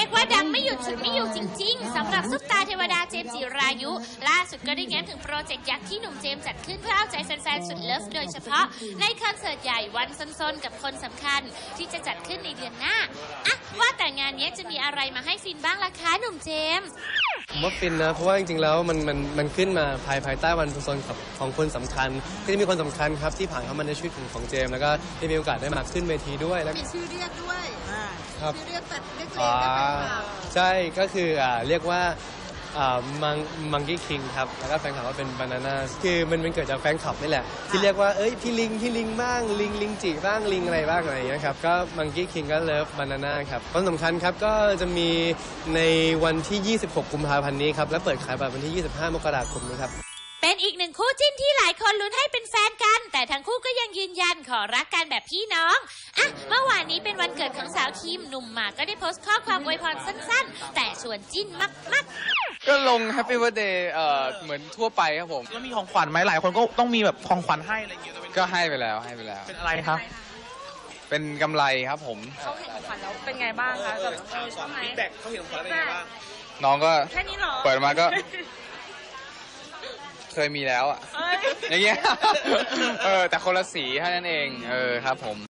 รียกว่าดังไม่หยุดฉุดไม่อยู่จริงๆสำหรับซุปตาเทวดาเจมส์จิรายุล่าสุดก็ได้แง้มถึงโปรเจกต์ยักษ์ที่หนุ่มเจมส์จัดขึ้นเพื่อเอาใจแฟนๆสุดเลิฟโดยเฉพาะในคอนเสิร์ตใหญ่วันซนๆกับคนสำคัญที่จะจัดขึ้นในเดือนหน้าอะว่าแต่งานนี้จะมีอะไรมาให้ฟินบ้างล่ะคะหนุ่มเจมส์ผมว่าฟินนะเพราะว่าจริงๆแล้วมันขึ้นมาภายใต้วันซนของคนสำคัญก็จะมีคนสำคัญครับที่ผ่านเข้ามาในชีวิตของเจมส์แล้วก็ได้มีโอกาสได้มาขึ้นเวทีด้วยแล้วมีชื่อเรียกด้วยครับชื่อเรียกแบบเรียกเองใช่ก็คือเรียกว่ามังกี้คิงครับแล้วก็แฟนคลับว่าเป็นบานาน่าคือมันเกิดจากแฟนคลับนี่แหละที่เรียกว่าพี่ลิงบ้างลิงจิบ้างลิงอะไรบ้างอะไรอย่างเงี้ยครับก็มังกี้คิงก็เลิฟบานาน่าครับคนสำคัญครับก็จะมีในวันที่26กุมภาพันธ์นี้ครับและเปิดขายบัตรวันที่25มกราคมนี้ครับเป็นอีกหนึ่งคู่จิ้นที่หลายคนลุ้นให้เป็นแฟนกันแต่ทั้งคู่ก็ยังยืนยันขอรักกันแบบพี่น้องอ่ะเมื่อวานนี้เป็นวันเกิดของสาวคิมหนุ่มหมากก็ได้โพสต์ข้อความอวยพรสั้นๆแต่ชวนจิ้นมากๆก็ลง Happy Birthday เหมือนทั่วไปครับผมแล้วมีของขวัญไหมหลายคนก็ต้องมีแบบของขวัญให้อะไรอย่างเงี้ยก็ให้ไปแล้วเป็นอะไรครับเป็นกำไรครับผมเขาเห็นของขวัญแล้วเป็นไงบ้างคะแบบชอบไหมฟีดแบ็กเขาเห็นของขวัญเป็นไงบ้างน้องก็แค่นี้หรอเปิดมาก็เคยมีแล้วอ่ะอย่างเงี้ยแต่คนละสีแค่นั้นเองครับผม